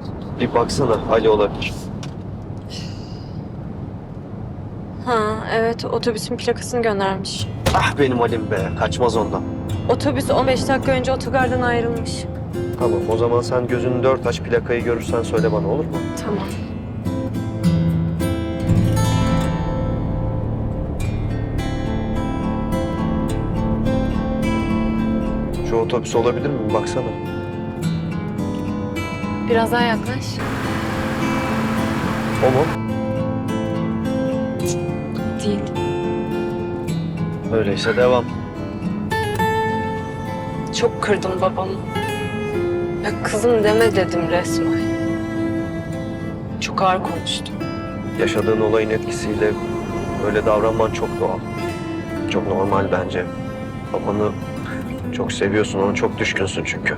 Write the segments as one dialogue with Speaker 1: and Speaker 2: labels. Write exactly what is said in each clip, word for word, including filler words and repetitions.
Speaker 1: Bir baksana Ali olabilir.
Speaker 2: Ha evet, otobüsün plakasını göndermiş.
Speaker 1: Ah benim Halim be, kaçmaz ondan.
Speaker 2: Otobüs on beş dakika önce otogardan ayrılmış.
Speaker 1: Tamam, o zaman sen gözünü dört aç, plakayı görürsen söyle bana, olur mu?
Speaker 2: Tamam.
Speaker 1: Şu otobüs olabilir mi? Baksana.
Speaker 2: Biraz daha yaklaş.
Speaker 1: O mu?
Speaker 2: Değil.
Speaker 1: Öyleyse devam.
Speaker 2: Çok kırdım babamı. Ya kızım deme dedim resmen. Çok ağır konuştum.
Speaker 1: Yaşadığın olayın etkisiyle öyle davranman çok doğal. Çok normal bence. Babanı çok seviyorsun, ona çok düşkünsün çünkü.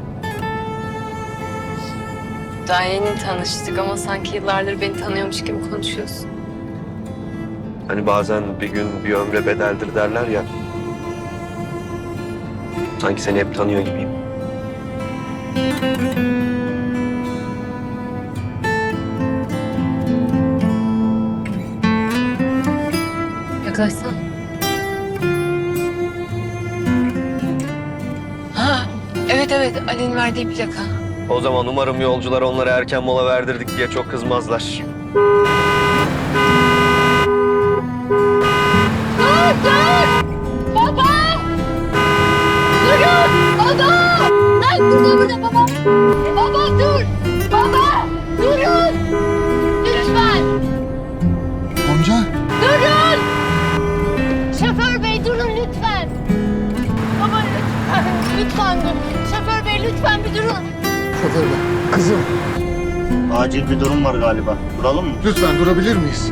Speaker 2: Daha yeni tanıştık ama sanki yıllardır beni tanıyormuş gibi konuşuyorsun.
Speaker 1: Hani bazen bir gün bir ömre bedeldir derler ya. Sanki seni hep tanıyor gibiyim.
Speaker 2: Yaklaşsana. Ha, evet evet, Ali'nin verdiği plaka.
Speaker 1: O zaman umarım yolcular onlara erken mola verdirdik diye çok kızmazlar.
Speaker 3: Dur dur! Baba! Durun! Baba! Lan burada burada baba! Baba dur! Baba! Durun! Lütfen!
Speaker 4: Amca.
Speaker 3: Durun! Şoför bey durun lütfen! Baba lütfen! Lütfen dur! Şoför bey lütfen bir durun!
Speaker 4: Şoför bey. Kızım.
Speaker 5: Acil bir durum var galiba. Duralım mı?
Speaker 4: Lütfen durabilir miyiz?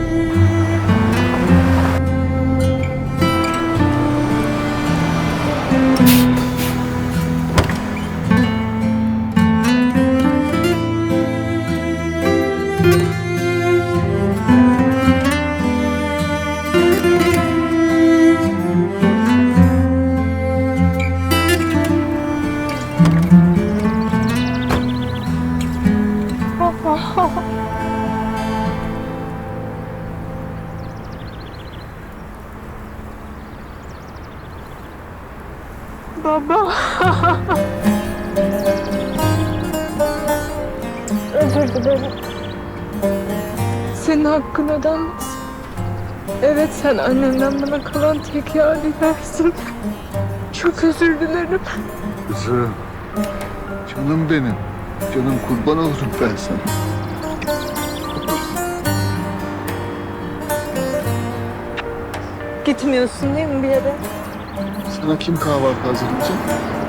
Speaker 6: Özür dilerim. Senin hakkın ödenmez. Evet, sen annemden bana kalan tek yadigarsın. Çok özür dilerim.
Speaker 4: Kızım. Canım benim. Canım kurban olurum ben sana.
Speaker 6: Gitmiyorsun değil mi bir yere?
Speaker 4: Sana kim kahvaltı hazırlayacak?